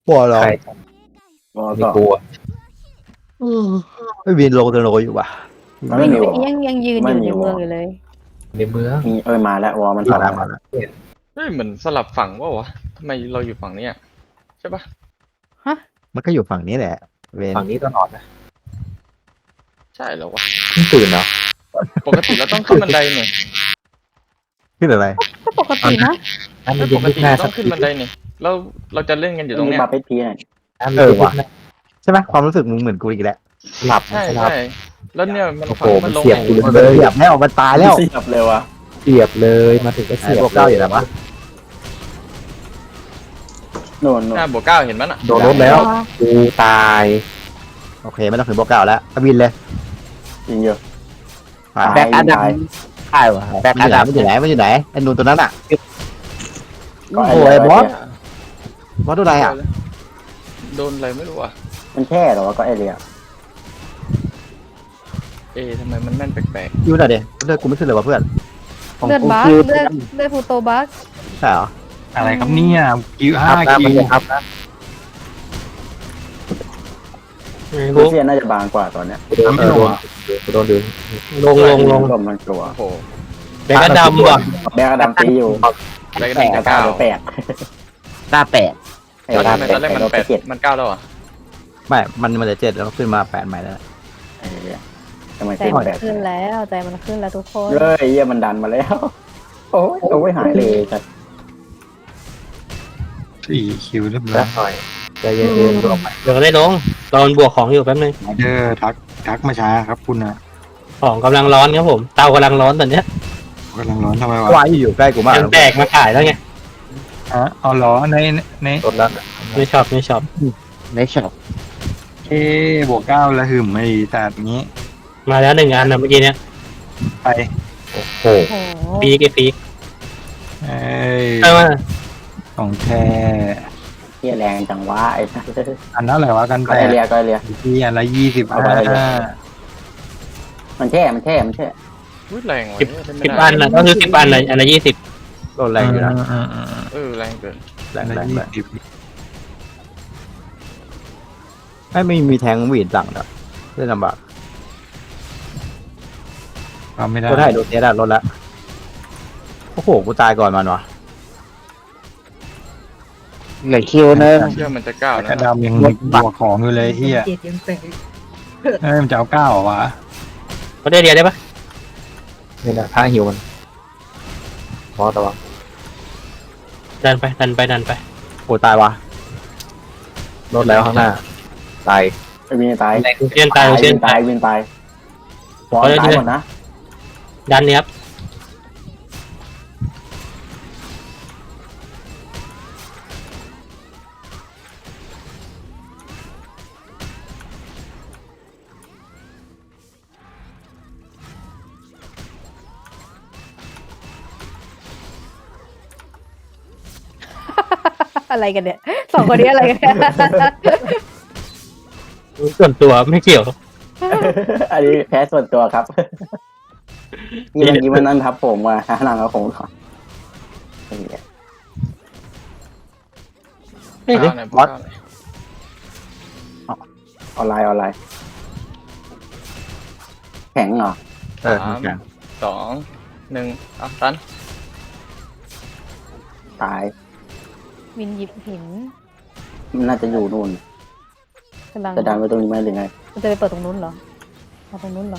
ปวดหรอใครวอลไม่ก็กลัวไม่บินลงเดินลงอยู่ป่ะมันไม่มีวอลยังยืนอยู่ในเมืองอยู่เลยในเมืองมีมาแล้ววอลมันมาถอดแล้วมาแล้วเฮ้ยเหมือนสลับฝั่งว่าวะทำไมเราอยู่ฝั่งเนี้ยใช่ปะมันก็อยู่ฝั่งนี้แหละเวนฝั่งนี้ตลอดนะใช่เหรอวะเพิ่งตื่นเนาะปกติเราต้องขึ้นบันไดเนี่ยขึ้นอะไรก็ปกตินะนั่นมัไม่นปยึดกยึดติหน้าเราสัต้อก งขึ้นบันไดเนี่ยเราจะเล่นกันอยู่ตรงมีเนี้ยบาร์เป็นพีหน่อยนั่นมันยึดยึดหน้าใช่ไหมความรู้สึกมึงเหมือนกูอีกแล้วหลับใช่หลับใช่แล้วเนี่ยมันโอ้โหฝั่งมันลงเสียบไงกูมันเหยียบแล้วมันตายแล้วเสียบเลยวะเสียบเลยมาถึงก็เสียบพวกเก้าอยู่แล้วปะโน่นหน้าบวกเก้าเห็นมั้ยน่ะโดนรถแล้วกูตายโอเคไม่ต้องถึงพวกเก้าแล้วบินเลยยิงเยอะไปตายแบ็กอาดัมใช่วะแบ็กมันอาอยู่ไหนดัมมันอยู่ไหนมันอยู่ไหนไอ้นูนตัวนั้นอ่ะก็โอ้ยบอส ว่าตัวไหนอ่ะโดนอะไรไม่รู้อ่ะมันแค่เหรอวะก็ไอเรียทำไมมันแม่นแปลกยูหน่อยเดี๋ยวเลือดกูไม่ขึ้นเลยวะเพื่อนของเลือดกูบัคคือเลือดฟูโตบัคใช่เหรออะไรครับเนี่ยคิวคห้ารับนะคิมันวจะครับนะรูเซียน่าจะบางกว่าตอนเนี้ยกูโดนดึงลงลมมันกลัวๆโอ้โหแบ็กอาดัมว่ะแบกระดำตีอยู่แล้วก็แปหนึ่ดงกับเก้าเก้าหรือแปดตาแปดแล้วทำไมตอนแรกมันแปดเจ็ดมันเก้าแล้วอ่ะไม่มันจะ7แล้วขึ้นมา8ใหม่แล้วไอ้เหี้ยทำไมใจขึ้นมันแปดขึ้นแล้วใจมันขึ้นแล้วทุกคนเฮ้ยเยี่ยมันดันมาแล้ว โอ้ยหายเลยจัดสี่คิวเรียบร้อแล้ยวหน่อยใจเย็นๆรวมไปเดี๋ยวได้ลงตอนบวกของอยู่แป๊บนึงทักมาช้าครับคุณนะของกำลังร้อนครับผม เตากำลังร้อนตอนเนี้ยกำลังร้อนทำไมวะวายอยู่ใกล้กูมากยังแตกมาขายแล้วไงเอาล้อในรถแล้วไม่ชอบไม่ชอบในช็อปบวกเก้าแล้วหึมไอ้แต่นี้มาแล้วหนึ่งอันนะเมื่อกี้เนี้ยไปโอ้โหโอ้โหปีกไอ้ปีกเอ้ยใช่ไหมของแท้เที่ยแรงจังวะไอ้อันนั้นอะไรวะกันก็แตไอก เรียก็ไอเรียที่อันละ25 มันแช่มันแช่มันแช่อุ้ยแรงว่ะสิบอันนะก็คือ10 อันเลยอันละ20 โดนแรงอยู่นะแรงเกินแรงอันแรละงแรง 20 ไม่มีแทงหวีดหลังนะเล่นลำบากทำไม่ได้ก็ได้โดนเนี้ยได้รถละโอ้โหกูตายก่อนมันวะเหลือคิวนึงเชื่อมันจะเก้าแต่แล้วกระนะดำยังบวกของอยู่เลยเฮียมันจะเอา9เหรอวะเขาได้เรียนได้ปะนี่นะท่าหิวมันพอระวังดันไปดันไปดันไปโอ้ตายวะรถแล้วข้างหน้าตายไอ้วินตายเชียนตายเชียนตาตาย ยวินตายบอลตายหมดนะดันเนี่ยครับอะไรกันเนี่ยสองคนนี้อะไรกันเนี่ยส่วนตัวไม่เกี่ยวอันนี้แพ้ส่วนตัวครับนี่เมื่อกี้มันนั่นทับผมมาหลังเอาผมก่อนเก้าไหนบวกเก้าไหนออนไลน์แข็งเหรอเออแข็งสองหนึ่งอ่ะตันตายวินหยิบหินมันน่าจะอยู่นู่นกำลังจะดันไปตรงนี้ไหมหรือไงมันจะไปเปิดตรงนู้นเหรอเอาตรงนู้นเหรอ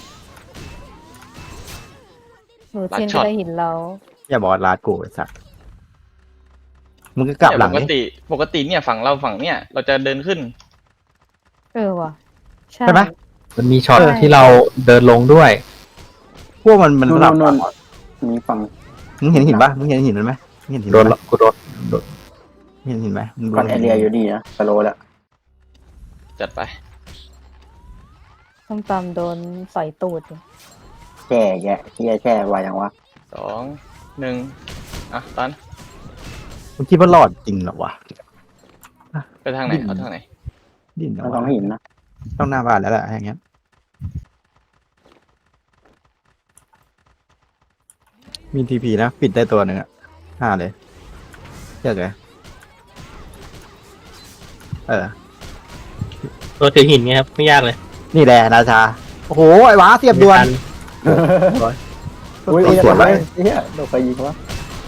หนูเชียนจะได้หินเราอย่าบอกว่าลาดกูไอ้สัสมึงก็กลับหลังปกนี่ติปกติเนี่ยฝั่งเราฝั่งเนี่ยเราจะเดินขึ้นเออว่ะใช่ใช่ไหมมันมีช็อตที่เราเดินลงด้วยพวกมันสลับนู่นฝั่งมีฝั่งมึงเห็นหินปะมึงเห็นหินมันไหมมึงเห็นหินโดมัน นไหมกูโดนมึงเห็นหินไหมมึงดูก่อนไอเรียอยู่ดีนะสโลแล้วจัดไปส้มตำโดนสอยตูดอยู่แช่แย่แช่ไวอย่างวะสองหนึ่งอ่ะตันมึงคิดว่ารอดจริงเหรอวะไปทางไหนเอาทางไหนดิ้นเหรอมันวะต้องหินนะต้องหน้าบ้านแล้วแหละอย่างเงี้ยมีทีพีนะปิดได้ตัวหนึ่งอ่ะ5เลยเชื่อเลยเออตัวถือหินไงครับไม่ยากเลยนี่แหละราชาโอ้โหไอ้หวาเสียบด่วนไม่ทัอุ้ยสวนไปเฮียโดนไปยิงวะ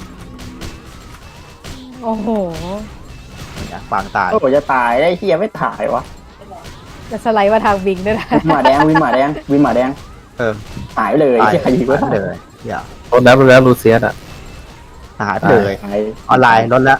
โอ้โหปางตายโอ้โหจะตายได้เฮียไม่ถ่ายวะจะสไลด์มาทางบิงด้วยนะวินหมาแดงวินหมาแดงวินหมาแดงเออหายไปเลยตายเฮียใครยิงวะเลยอย่าลดแล้วลูเซียสอ่ะหายไปเลยหายออนไลน์ลดแล้ว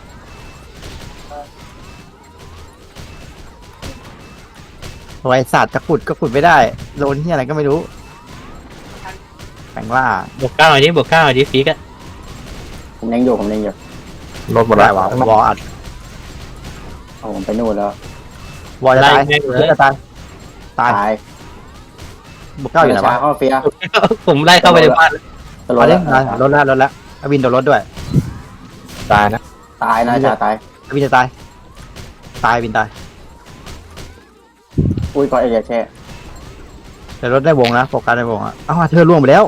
โอ้ยสัตว์จะขุดก็ขุดไม่ได้โดนที่อะไรก็ไม่รู้แปลงล่าบวกเก้าหน่อยดิบวกเก้าหน่อยดิฟีกอะผมเล็งอยู่ผมเล็งอยู่ลดหมดได้แล้ววะวออัดเอาผมไปนู่นแล้ววอจะไล่ตายแม่งเลยจะตายตายตายบุกเก้าอยู่ไหนวะเข้าเฟียผมไล่เข้าไปในบ้านตลมาอดดิแล้วลดแล้วลดแล้วอวินโดนรถด้วยตายนะตายนะจ่าตายอวินจะตายตายอวินตายอุ้ยก่อนไอ้เหี้ยแช่แต่รถได้วงนะโฟกัสได้วงอ่ะเอ้าเธอล่วงไปแล้ว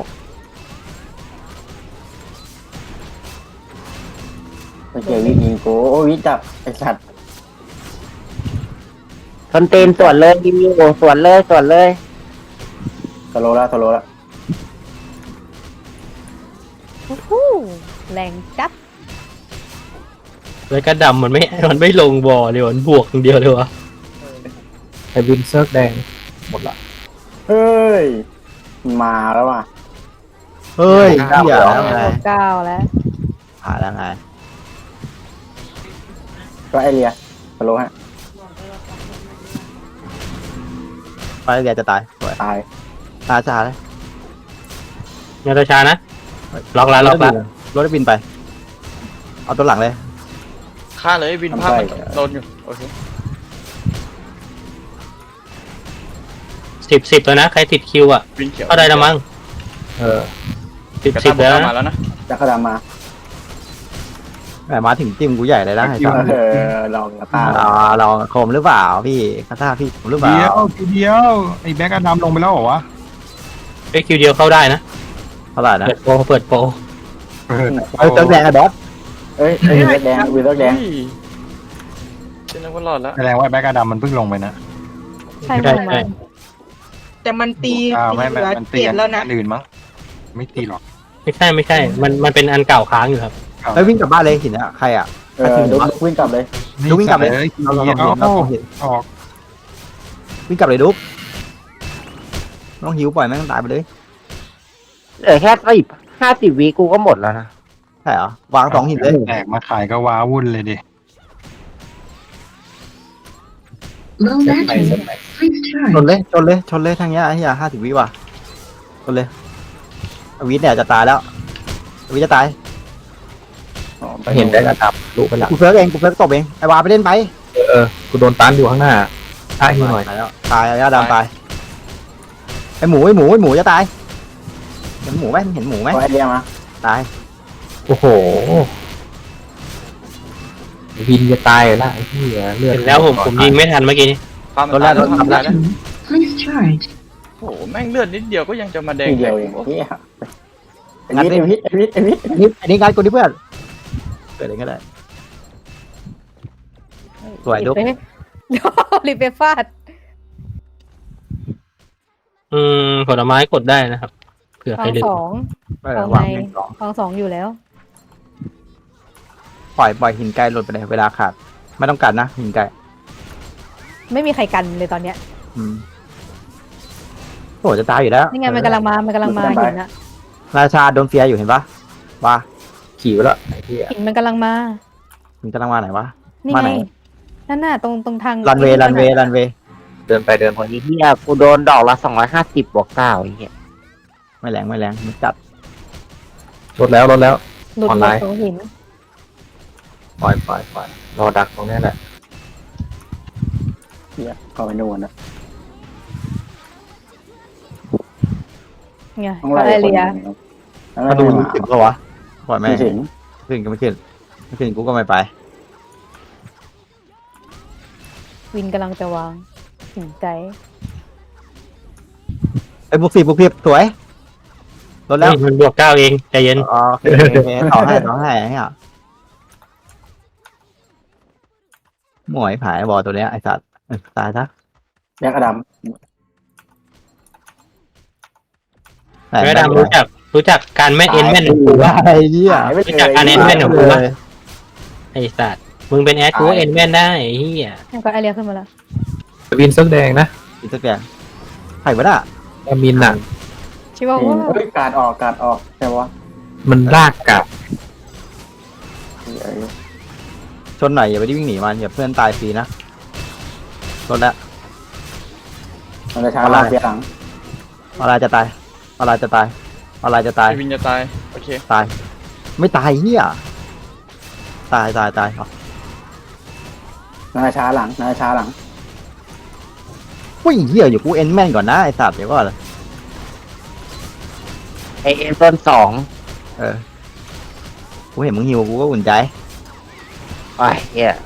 ไอ้เหี้ยวิยิงกูโอ้ยวิจับไอ้สัตว์ทนตีนสวนเลยยิงอยู่สวนเลยสวนเลยสโลแล้วสโลแล้วโอ้โหแรงจัดแล้วก็ดำมันไม่ลงบอเลยมันบวกอย่างเดียวเลยวะไอ้วินเซิร์กแดงหมดละเฮ้ยมาแล้วว่ะเฮ้ยเหี้ยแล้วไงเก้าแล้วผ่านแล้วไงก็ไอเรียสโลฮะไปเรียจะตายสวยตายตาจ้าเลยนาตาชานะล็อกแล้วล็อกแล้วรถได้บินไป เอาตัวหลังเลยฆ่าเลยวินภาพมันโดนอยู่โอเค 10แล้วนะใครติดคิวอ่ะวินเขียวเข้าได้แล้วมั้งเออกระ 10 ตาบแล้วอกมานะแล้วนะจะกระดามาแหมมาถึงจิ้มกูใหญ่เลยนะไอ้สัสลองกระตาลองโคมหรือเปล่าพี่คาถาพี่ผมหรือเปล่าเดียวทีเดียวไอ้แบ็กอดัมลงไปแล้วเหรอวะไอ้คิวเดียวเข้าได้นะเท่าไหร่นะเปิดโปรเออเติมแดงอะบอสเอ้ยวินเลือดแดงวินเลือดแดงอุ้ยฉันนึกว่ารอดแล้วแสดงว่าแบ็กอดัมมันเพิ่งลงไปนะใช่ไหมใช่แต่มันตีไม่เหลือมันเปตีลี่ยนแล้วนะอันอื่นมั้งไม่ตีหรอกไม่ใช่ มันเป็นอันเก่าค้างอยู่ครับแล้ววิ่งกลับบ้านเลยหินอะใครอะดูวิ่งกลับเลยดูวิ่งกลับเลยเราเราเห็นเห็นเราเห็นออกวิ่งกลับเลยดุ๊กน้องหิวปล่อยแม่งตายไปเลยเหลือแค่50 วิกูก็หมดแล้วนะใช่เหรอวางสองหินเลยแตกมาขายก็ว้าวุ่นเลยดิเซ็ตไหนเซ็ตไหนชนเลยทางเนี้ยไอ้เหี้ย50 วิว่ะชนเลยอวิทย์เนี่ยจะตายแล้วอวิทย์จะตายเห็นได้ระดับรู้ไปละกูเฟิร์กเองกูเฟิร์กตบเองไอ้วาไปเล่นไปกูโดนตันอยู่ข้างหน้าท่าฮิวหน่อยตายแล้วตายไอ้ดำตายไอ้หมูจะตายเห็นหมูไหมเห็นหมูไหมก็ไอเรียมาตายโอ้โหวินจะตายละไอ้เหี้ยเลือดเห็นแล้วผมยิงไม่ทันเมื่อกี้นี้ภาพมันตายแล้วภาพมันตายแล้วโอ้โหแม่งเลือดนิดเดียวก็ยังจะมาแดงทีเดียวเองเฮียไอวิทไอวิทนี่อันนี้งานกูที่เพื่อนเกิดอะไรก็ได้สวยดุ๊กรีบไปฟาดผลไม้กดได้นะครับเผื่อฟใครองลืมสองวางหนึ่งสองฟองสองอยู่แล้วปล่อยหินไกลหล่นไปเลยเวลาขาดไม่ต้องการนะหินไกลไม่มีใครกันเลยตอนเนี้ยโอ้จะตายอยู่แล้วนี่ไงมันกำลังมาหินนะราชาโดนเฟียอยู่เห็นปะว่าขี่ไปแล้วไอ้เหี้ยหินมันกำลังมาหินกำลังมาไหนวะนี่มาไงไหนนั่นน่ะตรงทางรันเวย์เดินไปเดินมาไอ้เหี้ยกูโดนดอกละ250บวก9ไอ้เหี้ยไม่แรงมันจัดลดแล้วหลุดออนไลน์ตรงหินปล่อยรอดักตรงนี้แหละเฮียเข้าไปนู่นนะไงต้องก็ไล่ไอคนเรียมาดูถึงปะวะปล่อยแม่ไม่ถึงขึ้นก็ไม่ขึ้นกูก็ไม่ไปวินกำลังจะวางหินไกลไอ้บุกสิสวยลดแล้วมันบวกเก้าเองใจเย็นอ๋อโอเคต่อให้เนี่ยหมวยผายบอลตัวเนี้ยไอ้สัตว์ตายซะแยกอดัมแม่ดำรู้จักการแม่นเอ็นแม่นของกูวะไอ้เหี้ยหายไปเลยรู้จักการเอ็นแม่นของกูวะไอ้สัตว์มึงเป็นแอดกูเอ็นแม่นได้ไอ้เหี้ยแล้วก็ไอเรียขึ้นมาแล้ววินเสื้อแดงนะอีกสักอย่างไผ่วะน่ะอามินอ่ะชิวาว่าเฮ้ยการออกใช่ปะมันลากกลับชนหน่อยอย่าไปวิ่งหนีมันอย่าเพื่อนตายฟรีนะชนแล้วมันจะช้าลากเสียหลังอะไรจะตายอะไรจะตายอะไรจะตายไอวินจะตายโอเคตาย ไม่ตายเหี้ยตายเอามันจะช้าหลังมันจะช้าหลังอุ้ยเหี้ยอยู่กูเอ็นแม่นก่อนนะไอ้สัตว์เดี๋ยวก่อนไอเอ็นต้นสองกูเห็นมึงหิวกูก็อุ่นใจไอ้เหี้ย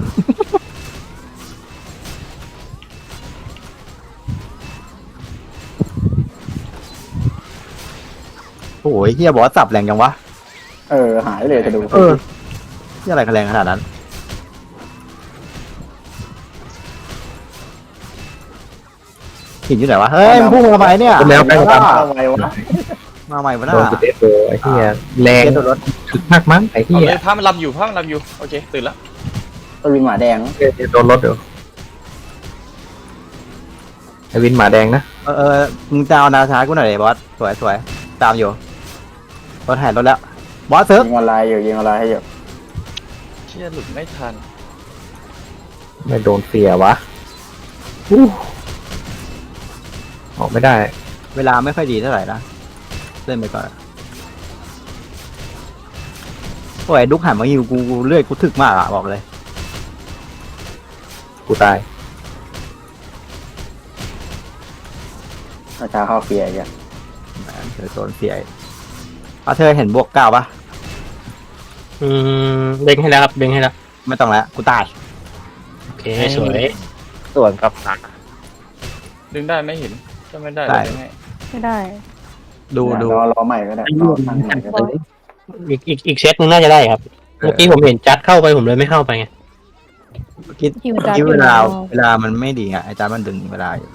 โอ้ยเหี้ยบอกว่าสับแรงจังวะหายเลยจะดูเหี้ยอะไรกันแรงขนาดนั้นหินอยู่ไหนวะเฮ้ยมึงพุ่งมาทำไมเนี่ยแล้วไปกับเอาไว้วะมาใหม่วะโดน่ะนเตะโดไอ้เหี้ยแรงเกตโดนรถถึกมากมั้งไอ้เอาเหี้ยเลยพามันรับอยู่โอเคตื่นละตัววินหมาแดงโดนรถเดี๋ยวไอ้วินหมาแดงนะมึงจะเอานาช้ากูหน่อยดิบอสสวยตามอยู่รถแห่รถแล้วบอสเซิร์ฟยิงออนไลน์ให้อยู่เชี่ยหลุดไม่ทันไม่โดนเสียวะออกไม่ได้เวลาไม่ค่อยดีเท่าไหร่นะเล่นไปก่อนโอ้ยดุกหันมาอยู่กูเลื่อยกูถึกมากอะบอกเลยกูตายมันช้าเข้าเฟียร์อย่างแหมเธอโซนเสียเธอเห็นบวก9ปะเด้งให้แล้วครับเด้งให้แล้วไม่ต้องแล้วกูตายโอเคสวยส่วนกับหนักดึงได้ไม่เห็นก็ไม่ได้ได้ดึงให้ไม่ได้ดูรอใหม่ก็ได้รอตั้งใหม่ก็ได้อีกเซตนึงน่าจะได้ครับ เมื่อกี้ผมเห็นจัดเข้าไปผมเลยไม่เข้าไปไงคิดคิวจัดคิดอยู่เวลามันไม่ดีไงอาจารย์มันดึงเวลาอยู่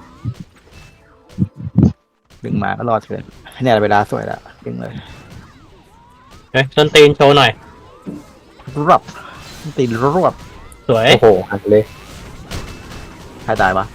ดึงมาก็รอดเกินเนี่ยเวลาสวยแล้วดึงเลยเฮ้ยส้นตีนโชว์หน่อยรวบตีรวบสวยโอ้โหหักเลยใครตายปะ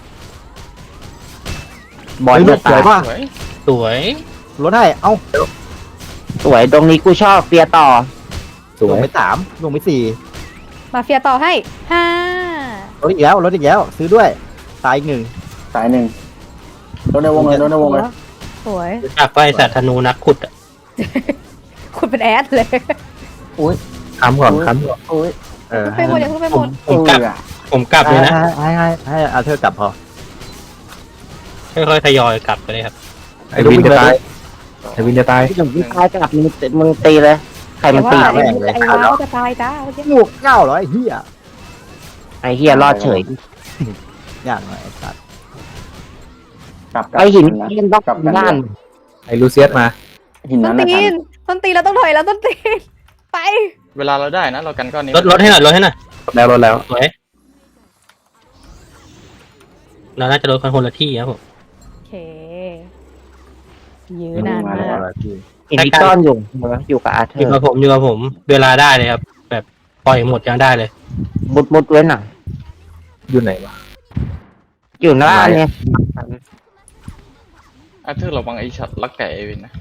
บอลเฮ้ยจะสวตาย ยปะสวยสวยรถให้เอ้าสวยตรงนี้กูชอบเฟียร์ต่อสวยลงไป3ลงไป4 มาเฟียต่อให้ห้ารถอีกแล้วซื้อด้วยตายอีก1 สายหนึ่งโดนในวงเลยสวยจากไฟสัตว์ธนูนักขุดอะคุณเป็นแอดเลยค้ำก่อนค้ำก่อนอุ้ยเออไปหมดอย่าเพิ่งไปหมดผมกลับเลยนะให้เอาเธอกลับพอค่อยๆทยอยกลับไปเลยครับไอ้วินจะตายไอ้วินจะตายที่ถึงที่ตายจับมึงตีเลย ใครมันตีไอ้ว้าวจะตายจ้าเมื่อกี้บวก9เหรอไอ้เหี้ยไอ้เฮียรอดเฉยยากหน่อยไอ้สัตว์กลับไอ้หินเล่นบล็อกด้านไอ้ลูเซียสมาหินต้นั้น นตีนะนต้นตีนเราต้องถอยแล้วต้นตีนไปเวลาเราได้นะเรากันก้อนนี้ลดให้หน่อยลดให้หน่อยรถแล้วสวยเราน่าจะลดคนละที่ครับผมโอเคยื้อนานมากหินที่ซ่อนอยู่อยู่กับอาเธออยู่ ร์กับผมเวลาได้เลยครับ แบบปล่อยหมดยังได้เลยมุดไว้หน่อยอยู่ไหนวะอยู่หน้าเนี่ยอาเธอร์ระวังไอ้ช็อตลักไก่ไอวินนะ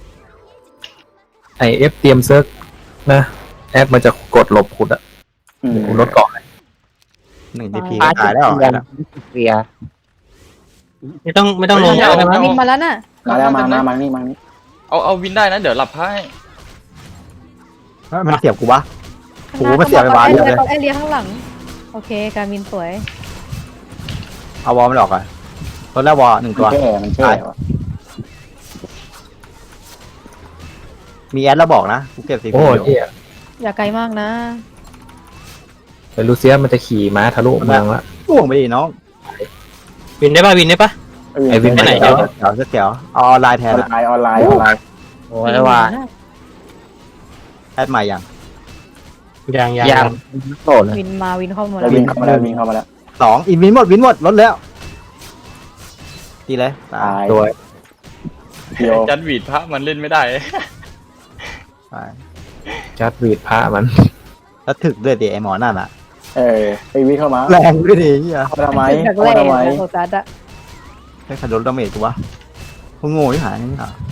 ไอเอฟเตรียมเซิร์กนะแอดมันจะกดหลบขุดอะขุดรถเกาะ 1 TP ก็ตายแล้วเฟียร์ไม่ต้องลงเาแล้วนะวินมาแล้วน่ะมาแล้วมานี่เอาวินได้นะเดี๋ยวหลับให้มันเสียบกูวะ โอ้โหมันเสียไปไอวาเยอะเลยไอเลียข้างหลังโอเคการมินสวยเอาวอลมันออกก่อนรถแล้ววอล1ตัวมันแช่ว่ะมีแอดแล้วบอกนะกูเก็บ TP โอ้อยู่เหี้ยอย่าไกลมากนะไอ้ลูเซียสมันจะขี่ม้าทะลุเมืองละพ่วงไปดิน้องวินได้ป่ะวินได้ป่ะไอ้วินไปไหนเดี๋ยวเอาออนไลน์แทอน อนอะไลน์ออนไลน์โอ้ยว่าแอดใหม่ยังยังโตเลยวินมาวินเข้ามาแล้ววิ่งเข้ามาแล้ววิ่งเข้ามาแล้วสองอินวินหมดลดแล้วตีเลยตาตาย ยตัวเดียวจัดหวีดพระมันเล่นไม่ได้ตายจัดวีดพระมันแล้วถึกด้วยดิไอหมอนั่นอ่ะไอวิ่งเข้ามาแรงด้วยดิเฮียเข้ามาทำไมจากเข้าแรมาก ทำไมนะโซจัดอะให้ขัดรถดาเมจตัวพวกโง่ที่หายนี่หรอ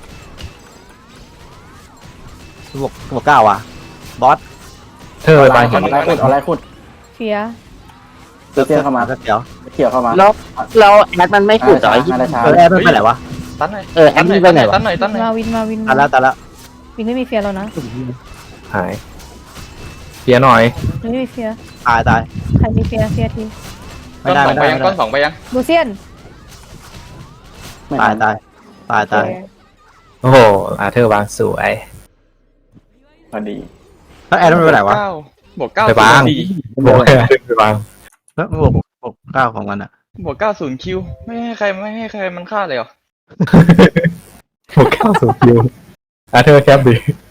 บอก9ว่ะบอสเธอไปบางเอาไล่ขุดเอาไล่ขุดเฟียเตี้ยเข้ามาก็เดี๋ยวเกี่ยวเข้ามาแล้วแอดมันไม่ขุดเหรออะไรช้าแอร์ไม่ไปไหนวะตั้นหน่อยแอดมันไปไหนวะตั้นหน่อยมาวินมาวินตายแล้ววินไม่มีเฟียแล้วนะหายเพียหน่อยวินไม่มีเฟียตายใครมีเฟียเฟียทีไม่ได้ก้อนสองไปยังลูเซียนไม่ตายทันตายโอ้โหอาเธอร์วางสวยพอดีแล้วแอร์ไม่ไปไหนวะบวกเก้าไปบ้างดีบอกให้อาเธอร์ไปวางแล้วบอก9ของมันอ่ะบวก90คิวไม่ให้ใครมันฆ่าเลยเหรอบอกเข้าสู่คิวอาเธอร์แคปดิ